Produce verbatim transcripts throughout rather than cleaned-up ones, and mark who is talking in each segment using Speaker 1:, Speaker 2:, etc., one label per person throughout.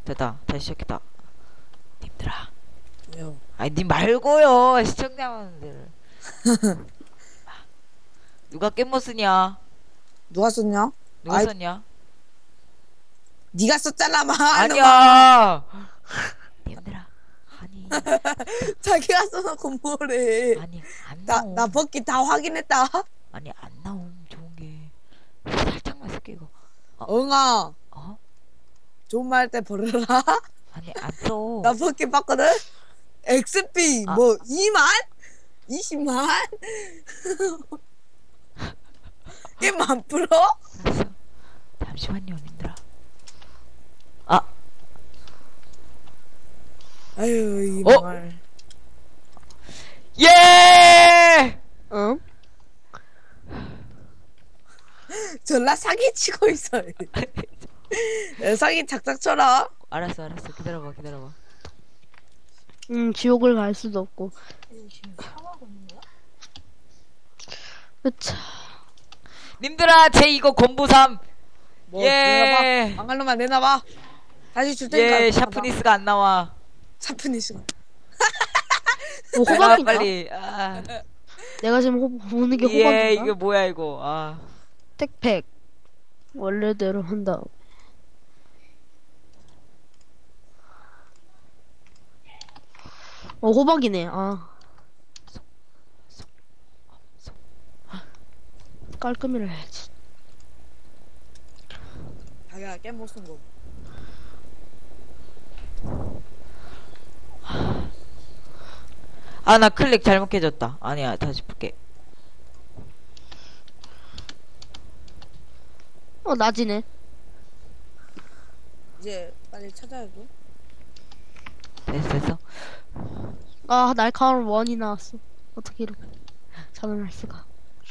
Speaker 1: 됐다. 다시 시작했다. 님들아.
Speaker 2: 왜요?
Speaker 1: 아니 님 말고요. 시청자분들. 누가 깻모 쓰냐?
Speaker 2: 누가 썼냐?
Speaker 1: 누가
Speaker 2: 아이,
Speaker 1: 썼냐?
Speaker 2: 네가 썼잖아, 마.
Speaker 1: 아니야. 님들아. 아니.
Speaker 2: 자기가 써놓고 뭐래.
Speaker 1: 아니 안
Speaker 2: 나,
Speaker 1: 나옴.
Speaker 2: 나 벗기 다 확인했다.
Speaker 1: 아니 안 나옴. 좋은 게. 살짝만 쓸게 이거.
Speaker 2: 엉아,
Speaker 1: 어?
Speaker 2: 좋은 말 할 때 버려라.
Speaker 1: 아니 안 써.
Speaker 2: 나 벗기 봤거든? 엑스피,
Speaker 1: 아.
Speaker 2: 뭐, 이만? 이십만? 게만 풀어?
Speaker 1: 알았어. 잠시만요, 님들아. 아,
Speaker 2: 아유, 이
Speaker 1: 어?
Speaker 2: 말.
Speaker 1: 예!
Speaker 3: 응?
Speaker 2: 전라 사기치고 있어. 야, 사기 착착 쳐라.
Speaker 1: 알았어, 알았어. 기다려봐, 기다려봐.
Speaker 3: 음, 지옥을 갈 수도 없고. 으차.
Speaker 1: 님들아, 제 이거 건부삼.
Speaker 2: 뭐,
Speaker 1: 예.
Speaker 2: 내놔봐. 망할 놈만 내놔봐. 다시 줄 테니까.
Speaker 1: 예, 샤프니스가 안 나와.
Speaker 2: 샤프니스가.
Speaker 3: 뭐
Speaker 1: 내놔,
Speaker 3: 호박인가?
Speaker 1: 빨리. 아.
Speaker 3: 내가 지금 호, 보는 게
Speaker 1: 예,
Speaker 3: 호박인가?
Speaker 1: 이게 뭐야, 이거. 아.
Speaker 3: 택팩. 원래대로 한다. 어, 호박이네. 아. 깔끔히를 해야지.
Speaker 2: 자기가 깨못 쓴 거.
Speaker 1: 아, 나 클릭 잘못해졌다. 아니야, 다시 볼게.
Speaker 3: 어, 낮이네.
Speaker 2: 이제 빨리 찾아야 돼.
Speaker 1: 됐어, 됐어.
Speaker 3: 아, 날카로운 원이 나왔어. 어떻게 이렇게 자는할 수가.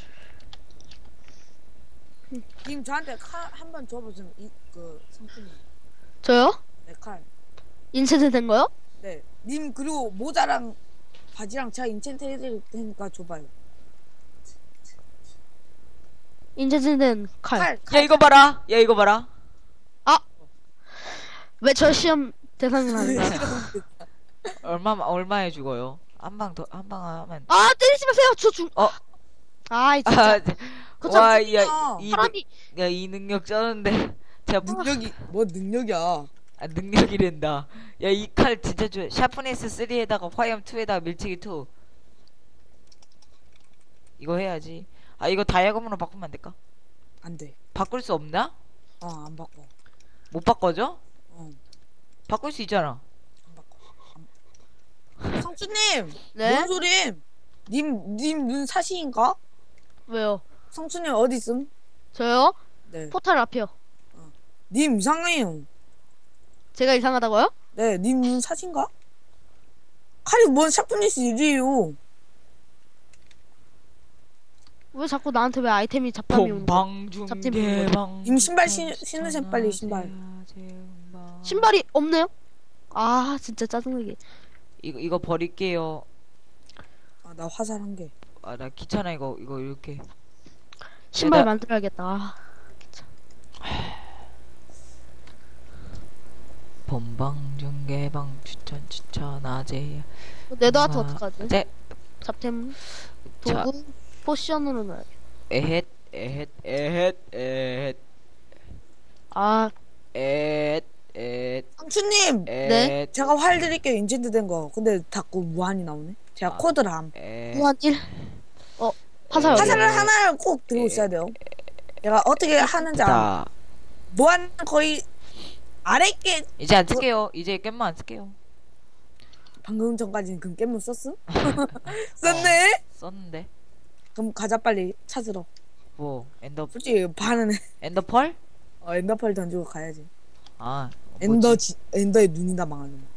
Speaker 2: 님 저한테 칼 한 번 줘보세요. 이그 상품이.
Speaker 3: 저요?
Speaker 2: 네 칼.
Speaker 3: 인챈트 된 거요?
Speaker 2: 네. 님 그리고 모자랑 바지랑 제가 인챈트 해드릴 테니까 줘봐요.
Speaker 3: 인챈트 된 칼.
Speaker 2: 칼.
Speaker 1: 야,
Speaker 2: 칼.
Speaker 1: 이거 봐라. 야, 이거 봐라.
Speaker 3: 왜 저 시험 대상이 아닌가?
Speaker 1: 얼마, 얼마에 죽어요? 한 방 더, 한 방 하면.
Speaker 3: 아, 때리지 마세요. 저 중.
Speaker 1: 어?
Speaker 3: 아이 진짜.
Speaker 1: 아,
Speaker 3: 그거
Speaker 1: 와,
Speaker 3: 참
Speaker 1: 야, 이,
Speaker 3: 사람이
Speaker 1: 능- 야, 이 능력 쩌는데. 제가
Speaker 2: 능력이 뭐 능력이야.
Speaker 1: 아, 능력이랜다. 야, 이 칼 진짜 좋아. 샤프니스 삼에다가 화염 이에다가 밀치기 이. 이거 해야지. 아, 이거 다이아검으로 바꾸면 안 될까?
Speaker 2: 안 돼.
Speaker 1: 바꿀 수 없나?
Speaker 2: 어, 안 바꿔.
Speaker 1: 못 바꿔줘?
Speaker 2: 어,
Speaker 1: 바꿀 수 있잖아.
Speaker 2: 안 바꿔. 안... 성추님.
Speaker 3: 네?
Speaker 2: 뭔 소림? 님, 님 눈 사시인가?
Speaker 3: 왜요?
Speaker 2: 성추님 어디 있음?
Speaker 3: 저요?
Speaker 2: 네.
Speaker 3: 포탈 앞이요.
Speaker 2: 님 이상해요.
Speaker 3: 제가 이상하다고요?
Speaker 2: 네, 님 눈 사신가? 칼이 뭔 샤프니스 일이에요.
Speaker 3: 왜 자꾸 나한테 왜 아이템이 잡담이 오는 거야? 잡템이
Speaker 1: 봉방중계방.
Speaker 2: 님 신발 신- 신으세요, 빨리 신발.
Speaker 3: 신발이 없네요? 아 진짜 짜증나게.
Speaker 1: 이거 이거 버릴게요.
Speaker 2: 아, 나 화살 한 개.
Speaker 1: 아, 나 귀찮아 이거 이거 이렇게.
Speaker 3: 신발
Speaker 1: 나-
Speaker 3: 만들어야겠다. 아,
Speaker 1: 본방중계방 추천 추천 아재.
Speaker 3: 네더아트
Speaker 1: 아,
Speaker 3: 어떡하지?
Speaker 1: 네.
Speaker 3: 잡템
Speaker 1: 자.
Speaker 3: 도구 포션으로 넣어야 돼.
Speaker 1: 에헷 에헷 에헷 에헷
Speaker 3: 아
Speaker 1: 에헷 에헷
Speaker 2: 성추님!
Speaker 3: 네?
Speaker 1: 에헷
Speaker 2: 제가 활 드릴게요, 인챈트 된 거. 근데 자꾸 무한이 나오네. 제가
Speaker 1: 아.
Speaker 2: 코드람.
Speaker 1: 에헷
Speaker 3: 무한 일. 어 화살 어디?
Speaker 2: 화살을 하나를 꼭 들고 있어야 돼요. 내가 어떻게 하는지 알아.
Speaker 1: 자,
Speaker 2: 무한 거의 아래 게
Speaker 1: 이제 안 쓸게요. 이제 깻만 안 쓸게요.
Speaker 2: 방금 전까지는 그럼 깻못 썼음? 썼네?
Speaker 1: 썼는데
Speaker 2: 그럼 가자 빨리 찾으러.
Speaker 1: 뭐 엔더
Speaker 2: 솔직히 반은
Speaker 1: 엔더펄?
Speaker 2: 어, 엔더펄 던지고 가야지.
Speaker 1: 아,
Speaker 2: 엔더
Speaker 1: 뭐지?
Speaker 2: 지, 엔더의 눈이다 망하는 거.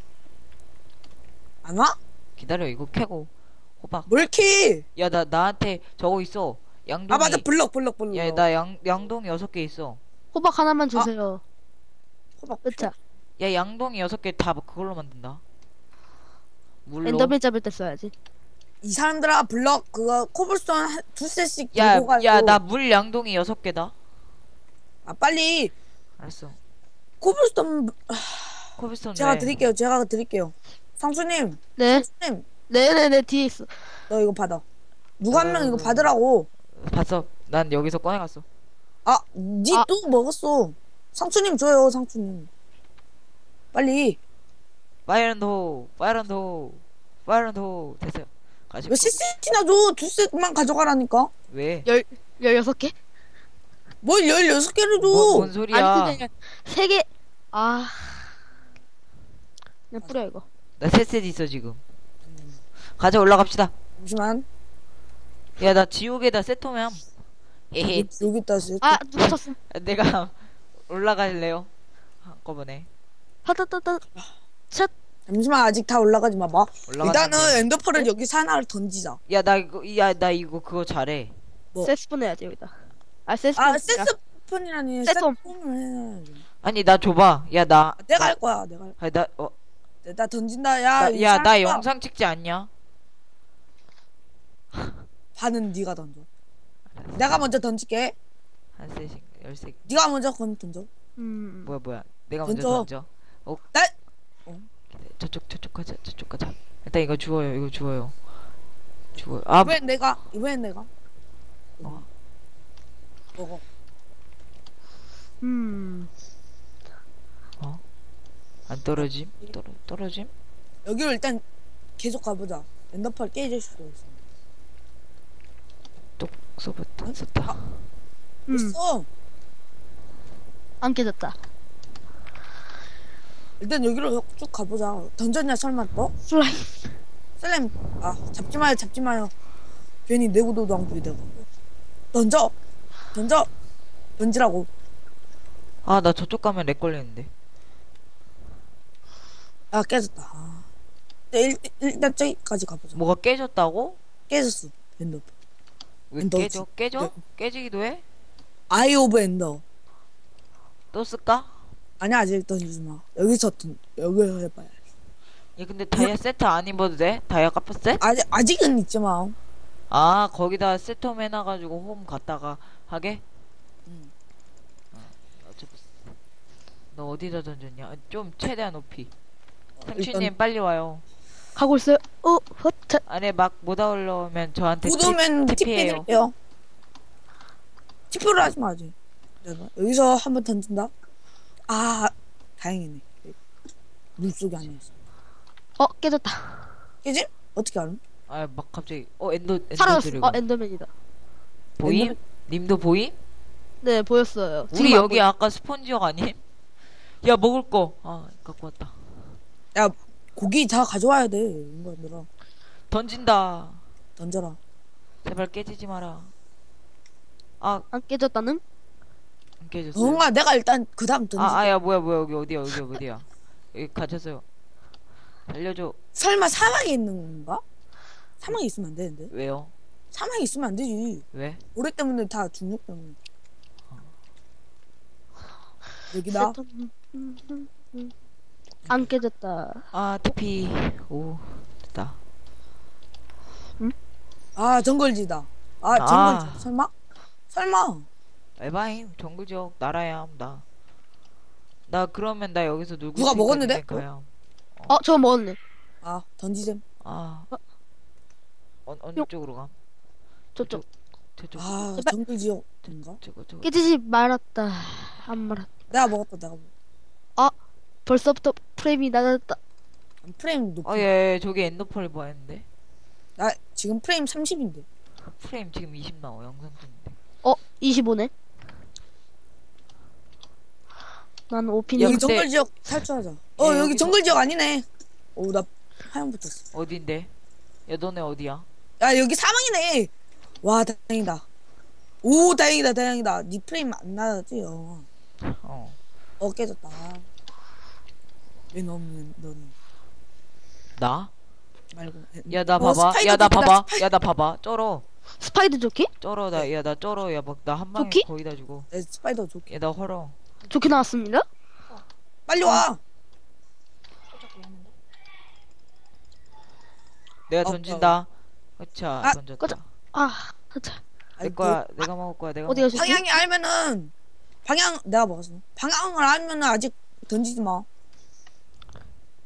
Speaker 2: 안 와?
Speaker 1: 기다려 이거 캐고 호박.
Speaker 2: 뭘키?
Speaker 1: 야, 나 나한테 저거 있어. 양동이.
Speaker 2: 아 맞아 블럭 블럭 블럭.
Speaker 1: 야, 나 양 양동이 여섯 개 있어.
Speaker 3: 호박 하나만 주세요.
Speaker 2: 호박.
Speaker 3: 그쵸?
Speaker 1: 야, 양동이 여섯 개 다 그걸로 만든다. 물로.
Speaker 3: 엔더맨 잡을 때 써야지.
Speaker 2: 이 사람들아 블럭 그거 코블스톤 한- 두 셋씩
Speaker 1: 야,
Speaker 2: 들고 가고.
Speaker 1: 야, 나 물 양동이 여섯 개다.
Speaker 2: 아 빨리
Speaker 1: 알았어.
Speaker 2: 코블스톤 하...
Speaker 1: 코블스톤
Speaker 2: 제가
Speaker 1: 왜?
Speaker 2: 드릴게요. 제가 드릴게요. 상수님,
Speaker 3: 네.
Speaker 2: 상수님,
Speaker 3: 네네네 뒤에 있어.
Speaker 2: 너 이거 받아. 누가 한 명
Speaker 1: 어,
Speaker 2: 이거 받으라고.
Speaker 1: 봤어. 난 여기서 꺼내갔어.
Speaker 2: 아, 니
Speaker 3: 아.
Speaker 2: 또 먹었어. 상수님 줘요, 상수님. 빨리.
Speaker 1: 파이런도, 파이런도, 파이런도 됐어요. 가시.
Speaker 2: 몇 세트나 줘? 두 세트만 가져가라니까.
Speaker 1: 왜?
Speaker 3: 열 열여섯 개?
Speaker 2: 뭘 열여섯 개를 줘.
Speaker 1: 뭐, 뭔 소리야?
Speaker 3: 아니 그냥 세 개. 아. 그냥 뿌려 이거.
Speaker 1: 나 세 세트 있어 지금. 가자 올라갑시다.
Speaker 2: 잠시만.
Speaker 1: 야 나 지옥에다 세톰함. 에헤.
Speaker 2: 여기 있다, 세트.
Speaker 3: 아 누가 쳤어?
Speaker 1: 내가 올라갈래요? 한꺼번에.
Speaker 3: 하다다다. 첫.
Speaker 2: 잠시만, 아직 다 올라가지 마. 봐.
Speaker 1: 올라가.
Speaker 2: 일단은 엔더펄을 여기서 하나를 던지자.
Speaker 1: 야나 이거 야 나 이거 그거 잘해.
Speaker 2: 뭐?
Speaker 3: 세스폰 해야지 여기다. 아 세스폰.
Speaker 2: 아, 세스폰이라니.
Speaker 3: 세톰.
Speaker 2: 세톰을 해야지.
Speaker 1: 아니 나 줘봐. 야 나.
Speaker 2: 아, 내가 할 거야, 내가 할
Speaker 1: 아니 나 어.
Speaker 2: 거야. 나 던진다, 야. 이
Speaker 1: 야 나
Speaker 2: 사람아.
Speaker 1: 영상 찍지 않냐?
Speaker 2: 반은 네가 던져. 내가 먼저 던질게.
Speaker 1: 한 세씩 열세.
Speaker 2: 네가 먼저 건 던져.
Speaker 3: 음.
Speaker 1: 뭐야 뭐야. 내가 먼저
Speaker 2: 던져.
Speaker 1: 던져. 어.
Speaker 2: 날.
Speaker 1: 저쪽 저쪽 가자 저쪽 가자. 일단 이거 주워요 이거 주워요. 주워요. 아
Speaker 2: 이번엔 내가. 이번엔 내가.
Speaker 1: 어.
Speaker 2: 먹어.
Speaker 3: 음.
Speaker 1: 안 떨어짐? 떨어 떨어짐?
Speaker 2: 여기로 일단 계속 가보자. 엔더펄 깨질 수도 있어.
Speaker 1: 똑 써봤다 썼다.
Speaker 3: 음.
Speaker 2: 있어.
Speaker 3: 안 깨졌다.
Speaker 2: 일단 여기로 쭉 가보자. 던졌냐 설마 너?
Speaker 3: 슬라임.
Speaker 2: 슬램. 아 잡지 마요, 잡지 마요. 괜히 내구도도 안 부리다가. 던져. 던져. 던지라고.
Speaker 1: 아 나 저쪽 가면 렉 걸리는데.
Speaker 2: 아 깨졌다. 아. 일, 일단 저기까지 가보자.
Speaker 1: 뭐가 깨졌다고?
Speaker 2: 깨졌어. 엔더.
Speaker 1: 왜
Speaker 2: 엔더
Speaker 1: 깨져? 깨져?
Speaker 2: 네.
Speaker 1: 깨지기도 해?
Speaker 2: 아이 오브 엔더.
Speaker 1: 또 쓸까?
Speaker 2: 아니야 아직 던지지 마. 여기서 던 여기서 해봐야.
Speaker 1: 야 근데 다이아 세트 안 입어도 돼? 다이아 카프셋?
Speaker 2: 아직 아직은 있지만.
Speaker 1: 아 거기다 세톰 해놔가지고 홈 갔다가 하게?
Speaker 2: 응.
Speaker 1: 어, 어차피 너 어디다 던졌냐? 아, 좀 최대한 높이. 상추님
Speaker 2: 일단
Speaker 1: 빨리 와요.
Speaker 3: 가고 있어요. 어, 헛.
Speaker 1: 안에 막 못 올라오면 저한테
Speaker 2: 못 오면
Speaker 1: 팁-
Speaker 2: 티피
Speaker 1: 팁이에요.
Speaker 2: 드릴게요. 티피로 하지 마 아직. 내가 여기서 한번 던진다. 아 다행이네. 물속이 아니었어.
Speaker 3: 어, 깨졌다.
Speaker 2: 깨지? 어떻게 알아?
Speaker 1: 아 막 갑자기 어 엔더 엔더
Speaker 3: 사라졌어.
Speaker 1: 드래곤
Speaker 3: 어, 엔더맨이다.
Speaker 1: 보임?
Speaker 2: 엔더맨-
Speaker 1: 님도 보임?
Speaker 3: 네, 보였어요.
Speaker 1: 우리
Speaker 3: 지금 안
Speaker 1: 여기
Speaker 3: 보여.
Speaker 1: 아까 스폰지역 아님? 야 먹을 거. 아 갖고 왔다.
Speaker 2: 야 고기 다 가져와야 돼. 이거 얘들아
Speaker 1: 던진다.
Speaker 2: 던져라.
Speaker 1: 제발 깨지지 마라. 아
Speaker 3: 안 깨졌다는?
Speaker 1: 안 깨졌어.
Speaker 2: 뭔가 내가 일단 그 다음 던지.
Speaker 1: 아 아야 뭐야 뭐야 여기 어디야 여기 어디야? 여기 갇혔어요. 살려줘.
Speaker 2: 설마 사막에 있는 건가? 사막에 있으면 안 되는데.
Speaker 1: 왜요?
Speaker 2: 사막에 있으면 안 되지.
Speaker 1: 왜?
Speaker 2: 모래 때문에 다 중력 때문에. 여기다.
Speaker 3: 세톰. 음, 음, 음. 안 깨졌다.
Speaker 1: 아 티피. 오 됐다.
Speaker 2: 아 정글지다. 아
Speaker 1: 아.
Speaker 2: 정글지. 설마? 설마.
Speaker 1: 에바임 정글지역 나라야 나. 나 그러면 나 여기서 놀고
Speaker 2: 누가
Speaker 1: 있으니까
Speaker 2: 먹었는데?
Speaker 1: 니네 가요.
Speaker 3: 어, 저거 먹었네.
Speaker 2: 아 던지셈.
Speaker 1: 아.
Speaker 3: 어?
Speaker 1: 어, 어느
Speaker 3: 요.
Speaker 1: 쪽으로 가?
Speaker 3: 저쪽.
Speaker 1: 저쪽.
Speaker 2: 아
Speaker 3: 제발.
Speaker 2: 정글지역인가?
Speaker 1: 저거 저거.
Speaker 3: 깨지지 말았다. 안 말았다.
Speaker 2: 내가 먹었다 내가 먹었다.
Speaker 3: 벌써부터 프레임이 낮았다.
Speaker 2: 프레임 높이.
Speaker 1: 아, 예, 예, 저기 엔더펄 뭐 했는데?
Speaker 2: 나 지금 프레임 삼십인데.
Speaker 1: 프레임 지금 이십 나와, 영상 중인데.
Speaker 3: 어, 이십오네. 난 오피니.
Speaker 1: 야,
Speaker 2: 여기
Speaker 1: 근데-
Speaker 2: 정글지역 탈출하자. 어
Speaker 1: 예,
Speaker 2: 여기
Speaker 1: 여기서-
Speaker 2: 정글지역 아니네. 오나 하얀 붙었어.
Speaker 1: 어딘데? 야, 너네 어디야?
Speaker 2: 야 여기 사망이네. 와 다행이다. 오 다행이다 다행이다. 니 프레임 안 나지? 어.
Speaker 1: 어.
Speaker 2: 어 깨졌다. 왜 너는 너는
Speaker 1: 나?
Speaker 2: 말고.
Speaker 1: 야, 나
Speaker 2: 어,
Speaker 1: 봐봐.
Speaker 2: 스파이더
Speaker 1: 야, 나
Speaker 2: 조끼다,
Speaker 1: 봐봐.
Speaker 2: 스파이-
Speaker 1: 야, 나 봐봐. 쩔어.
Speaker 3: 스파이더 조끼?
Speaker 1: 쩔어. 나, 야, 나 쩔어. 야, 막, 나 한 방에
Speaker 3: 조끼?
Speaker 1: 거의 다 주고.
Speaker 2: 내 스파이더 좋게.
Speaker 1: 야, 나 헐어.
Speaker 3: 조끼 나왔습니다.
Speaker 2: 빨리 와.
Speaker 1: 내가
Speaker 2: 어,
Speaker 1: 던진다. 그차
Speaker 2: 아,
Speaker 1: 던졌다.
Speaker 3: 꺼져. 아, 자,
Speaker 1: 내 거야. 내가 먹을 거야. 내가
Speaker 3: 어디
Speaker 1: 먹을
Speaker 3: 가셨지?
Speaker 2: 방향이 알면은 방향 내가 먹었어. 방향을 알면은 아직 던지지 마.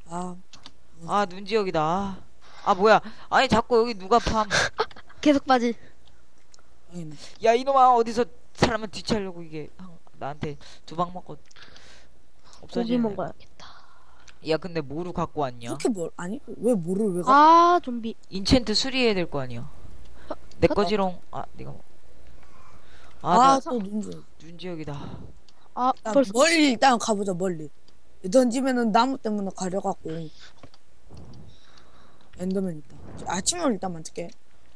Speaker 2: 아,
Speaker 1: 아 눈지역이다. 아, 아 뭐야? 아니 자꾸 여기 누가 팜?
Speaker 3: 계속 빠지.
Speaker 2: 아니네.
Speaker 1: 야 이놈아 어디서 사람을 뒤치려고 이게 한- 나한테 두 방 먹고
Speaker 3: 고기
Speaker 1: 없어지네.
Speaker 3: 먹어야겠다.
Speaker 1: 야 근데 뭐로 갖고 왔냐?
Speaker 2: 그렇게 뭘 아니 왜 뭐를 왜 가?
Speaker 3: 아 좀비.
Speaker 1: 인챈트 수리해야 될 거 아니야. 내 거지롱. 아 네가 먹. 아, 나
Speaker 2: 아또 눈줄.
Speaker 1: 눈지역이다.
Speaker 3: 아
Speaker 2: 야,
Speaker 3: 벌써
Speaker 2: 멀리 일단 가보자 멀리. 던지면은 나무 때문에 가려갖고. 엔더맨 있다. 아침을 일단 만들게.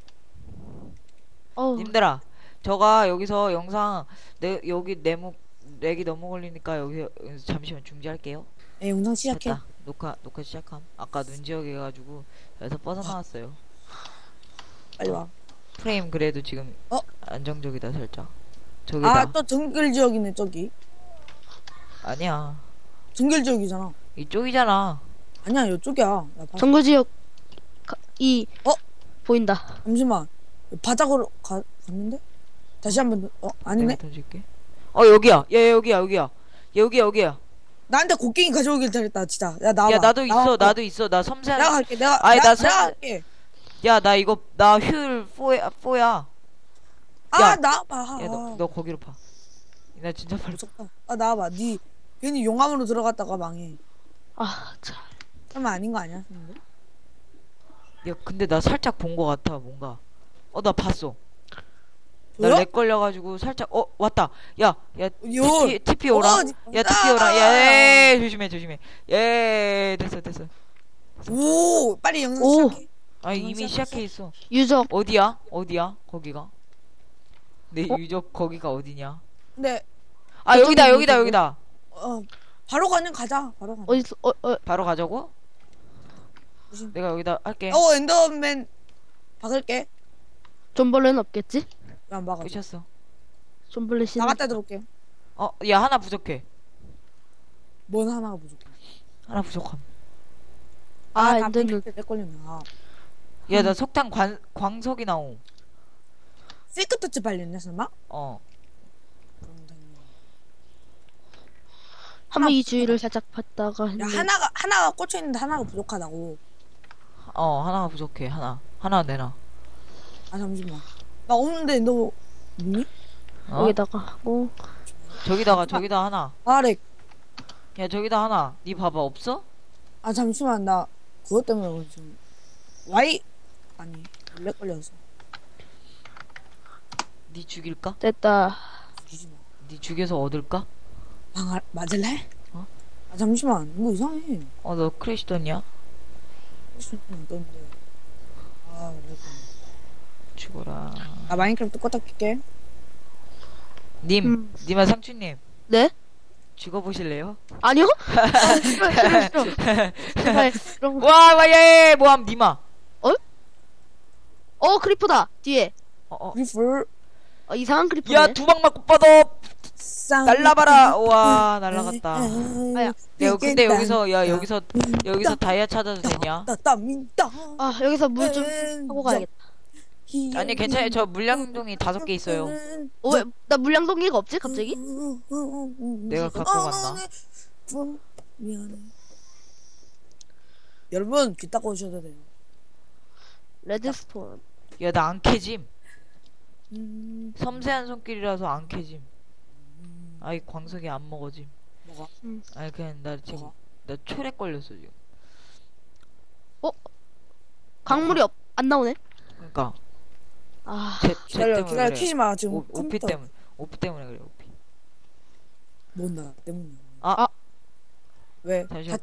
Speaker 3: 어
Speaker 1: 님들아 저가 여기서 영상 내 여기 내목 렉이 너무 걸리니까 여기서, 여기서 잠시만 중지할게요.
Speaker 2: 에 영상 시작해.
Speaker 1: 됐다. 녹화 녹화 시작함. 아까 눈지역 해가지고 여기서 뻗어나왔어요.
Speaker 2: 빨리 와.
Speaker 1: 프레임 그래도 지금
Speaker 2: 어?
Speaker 1: 안정적이다 살짝. 저기다.
Speaker 2: 아 또 정글 지역이네 저기.
Speaker 1: 아니야
Speaker 2: 정글 지역이잖아.
Speaker 1: 이쪽이잖아.
Speaker 2: 아니야 이쪽이야. 야, 봐.
Speaker 3: 정글지역 가- 이
Speaker 2: 어?
Speaker 3: 보인다.
Speaker 2: 잠시만. 바닥으로 가 갔는데? 다시 한번 더. 어 아니네.
Speaker 1: 내가 던질게. 어 여기야. 야 여기야 여기야. 여기야 여기야.
Speaker 2: 나한테 곡괭이 가져오길 잘했다 진짜. 야 나와.
Speaker 1: 야 나도 있어
Speaker 2: 나와.
Speaker 1: 나도 있어 나 섬세한.
Speaker 2: 내가 갈게. 내가
Speaker 1: 아니,
Speaker 2: 내가,
Speaker 1: 나 선-
Speaker 2: 내가 갈게.
Speaker 1: 야 나 이거 나 효율 사야 사야.
Speaker 2: 아
Speaker 1: 야.
Speaker 2: 나와봐.
Speaker 1: 야 너 너 거기로 파. 나 진짜 빨리.
Speaker 2: 무섭다. 아 나와봐. 니 괜히 용암으로 들어갔다가 망해.
Speaker 3: 아 참.
Speaker 2: 설마 아닌 거 아니야? 근데?
Speaker 1: 야 근데 나 살짝 본 거 같아 뭔가. 어 나 봤어. 나
Speaker 2: 보여?
Speaker 1: 렉 걸려가지고 살짝 어 왔다. 야야
Speaker 2: 요.
Speaker 1: 티피 티피 오라.
Speaker 2: 어, 니-
Speaker 1: 야 티피 오라. 야 조심해 조심해. 예 됐어 됐어.
Speaker 2: 오 빨리 영상
Speaker 3: 오.
Speaker 2: 시작해.
Speaker 1: 아
Speaker 2: 영상
Speaker 1: 이미
Speaker 2: 시작했어?
Speaker 1: 시작해 있어.
Speaker 3: 유적
Speaker 1: 어디야? 어디야? 거기가? 내
Speaker 3: 어?
Speaker 1: 유적 거기가 어디냐?
Speaker 2: 근데
Speaker 1: 아
Speaker 3: 저쪽이
Speaker 1: 여기다 여기다
Speaker 3: 유적이야?
Speaker 1: 여기다.
Speaker 2: 어 바로 가는 가자. 바로 가.
Speaker 3: 어디서 어어
Speaker 1: 바로 가자고?
Speaker 2: 조심.
Speaker 1: 내가 여기다 할게.
Speaker 2: 어 엔더맨 박을게.
Speaker 3: 존벌레는 없겠지?
Speaker 2: 왜 안 박아?
Speaker 1: 미쳤어.
Speaker 3: 존벌레 씨.
Speaker 2: 나갔다 들어올게.
Speaker 1: 어, 야 하나 부족해.
Speaker 2: 뭔 하나가 부족해.
Speaker 1: 하나 부족함.
Speaker 3: 아,
Speaker 2: 나
Speaker 3: 엔더맨.
Speaker 2: 내 걸렸네. 아.
Speaker 1: 야 나 석탄 관 광석이 나옴.
Speaker 2: 실크 터치 발렸냐 설마?
Speaker 1: 어.
Speaker 2: 그럼 당연히.
Speaker 3: 한번 이 주위를 살짝 봤다가
Speaker 2: 야
Speaker 3: 했는데
Speaker 2: 하나가 하나가 꽂혀 있는데 하나가 부족하다고.
Speaker 1: 어 하나가 부족해. 하나 하나 내놔.
Speaker 2: 아 잠시만. 나 없는데 너 뭐니?
Speaker 1: 어?
Speaker 3: 여기다가 하고
Speaker 1: 저기다가 저기다 하나.
Speaker 2: 아렉.
Speaker 1: 야 저기다 하나. 니 봐봐 없어?
Speaker 2: 아 잠시만 나 그것 때문에 지금 와이 아니 렉 걸려서
Speaker 1: 니 죽일까?
Speaker 3: 됐다.
Speaker 2: 죽이지 마.
Speaker 1: 니 죽여서 얻을까?
Speaker 2: 망할 맞을래?
Speaker 1: 어?
Speaker 2: 아 잠시만 이거 이상해.
Speaker 1: 어 너 크래시 떴냐?
Speaker 2: 안 떴는데. 아 렉.
Speaker 1: 죽어라.
Speaker 2: 나 마인크래프트 껐다 킬게.
Speaker 1: 님,
Speaker 3: 음.
Speaker 1: 님아 상추님
Speaker 3: 네?
Speaker 1: 죽어보실래요?
Speaker 3: 아니요? 아, 싫어 싫어 싫어. 제발 그런 거.
Speaker 1: 와, 와, 예, 예, 뭐함, 님아.
Speaker 3: 어 크리퍼다 뒤에.
Speaker 1: 어, 어.
Speaker 2: 리플
Speaker 3: 어, 이상한 크리퍼네.
Speaker 1: 야, 두 방 맞고 뻗어. 날라봐라. 와, 날라갔다.
Speaker 3: 아야.
Speaker 1: 야, 근데 여기서, 야, 여기서, 여기서 다이아 찾아도 되냐?
Speaker 2: 따따민따
Speaker 3: 아 여기서 물 좀 하고 가야겠다.
Speaker 1: 아니, 괜찮아요. 저 물량동이 다섯 개 있어요.
Speaker 3: 어, 왜, 나 물량동기가 없지 갑자기?
Speaker 1: 내가 갖고 갔나?
Speaker 2: 미안해. 여러분 귀 닦아 오셔도 돼요.
Speaker 3: 레드스톤.
Speaker 1: 야, 나 안 캐짐.
Speaker 2: 음,
Speaker 1: 섬세한 손길이라서 안 캐짐. 아이, 광석이 안 먹어짐.
Speaker 2: 뭐가?
Speaker 1: 아니, 그냥 나 지금,
Speaker 2: 뭐가?
Speaker 1: 나 초래 걸렸어, 지금.
Speaker 3: 광물이 없, 안 나오네.
Speaker 1: 그니까,
Speaker 3: 아
Speaker 1: 쟤, 쟤
Speaker 2: 기다려
Speaker 1: 때문에
Speaker 2: 기다려
Speaker 1: 그래.
Speaker 2: 키지 마 지금
Speaker 1: 오, 오피
Speaker 2: 컴퓨터
Speaker 1: 때문에, 오피 때문에 그래, 오피.
Speaker 2: 뭔나 때문에.
Speaker 1: 아,
Speaker 2: 왜?
Speaker 1: 잠시만.
Speaker 2: 다